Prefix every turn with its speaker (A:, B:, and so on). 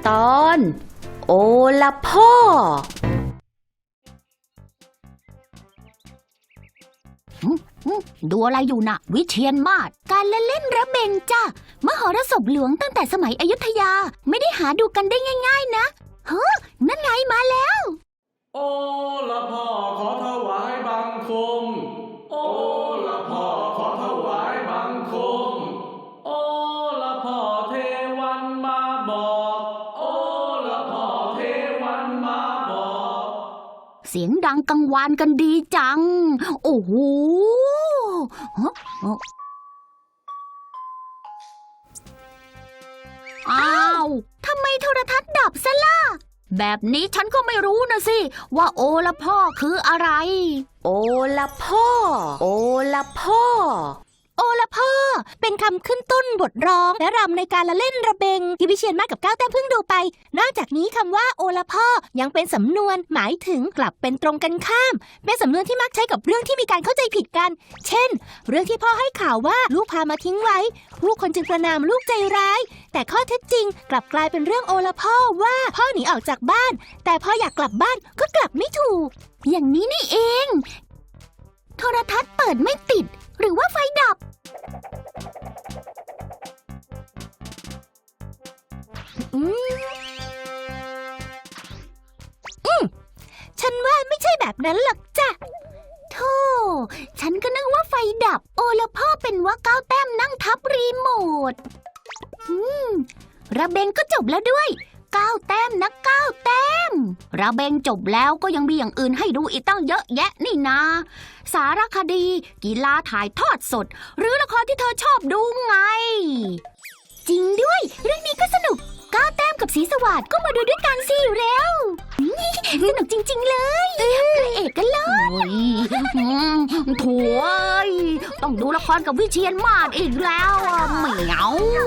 A: ตอนโอละพ่อดูอะไรอยู่น่ะวิเชียรมาศการละเล่นระเบงจ้ะมหรสพหลวงตั้งแต่สมัยอยุธยาไม่ได้หาดูกันได้ง่ายๆนะเฮ้นั่นไงมาแล้ว
B: โอละพ่อขอถวายบังคมโอละพ่อขอถวายบังคมโอละพ่อเทวันมาบอกโอละพ่อเทวันมาบอก
A: เสียงดังกังวานกันดีจังโอ้โหอ้าวทำไมโทรทัศน์ดับซะล่ะแบบนี้ฉันก็ไม่รู้นะสิว่าโอละพ่อคืออะไรโอละพ่อโอละพ่อ
C: โอละพ่อเป็นคำขึ้นต้นบทร้องและรำในการละเล่นระเบงที่วิเชียรมาศกับก้าวแต้มเพิ่งดูไปนอกจากนี้คำว่าโอละพ่อยังเป็นสำนวนหมายถึงกลับเป็นตรงกันข้ามเป็นสำนวนที่มักใช้กับเรื่องที่มีการเข้าใจผิดกันเช่นเรื่องที่พ่อให้ข่าวว่าลูกพามาทิ้งไว้ผู้คนจึงประณามลูกใจร้ายแต่ข้อเท็จจริงกลับกลายเป็นเรื่องโอละพ่อว่าพ่อหนีออกจากบ้านแต่พออยากกลับบ้านก็กลับไม่ถูก
A: อย่างนี้นี่เองโทรทัศน์เปิดไม่ติดหรือว่าไฟดับ
C: ฉันว่าไม่ใช่แบบนั้นหรอกจ้ะ
A: โธ่ฉันก็นึกว่าไฟดับโอละพ่อเป็นว่าก้าวแต้มนั่งทับรีโมทระเบงก็จบแล้วด้วยก้าวแต้มนะก้าวแต้มระเบงจบแล้วก็ยังมีอย่างอื่นให้ดูอีกตั้งเยอะแยะนี่นาสารคดีกีฬาถ่ายทอดสดหรือละครที่เธอชอบดูไงจริงด้วยเรื่องนี้ก็สนุกก้าวแต้มกับศรีสวัสดิ์ก็มาดูด้วยกันสิเร็วสนุกจริงๆเลยพระเอกกันเลยโถ่ต้องดูละครกับวิเชียรมาศอีกแล้วเหมียว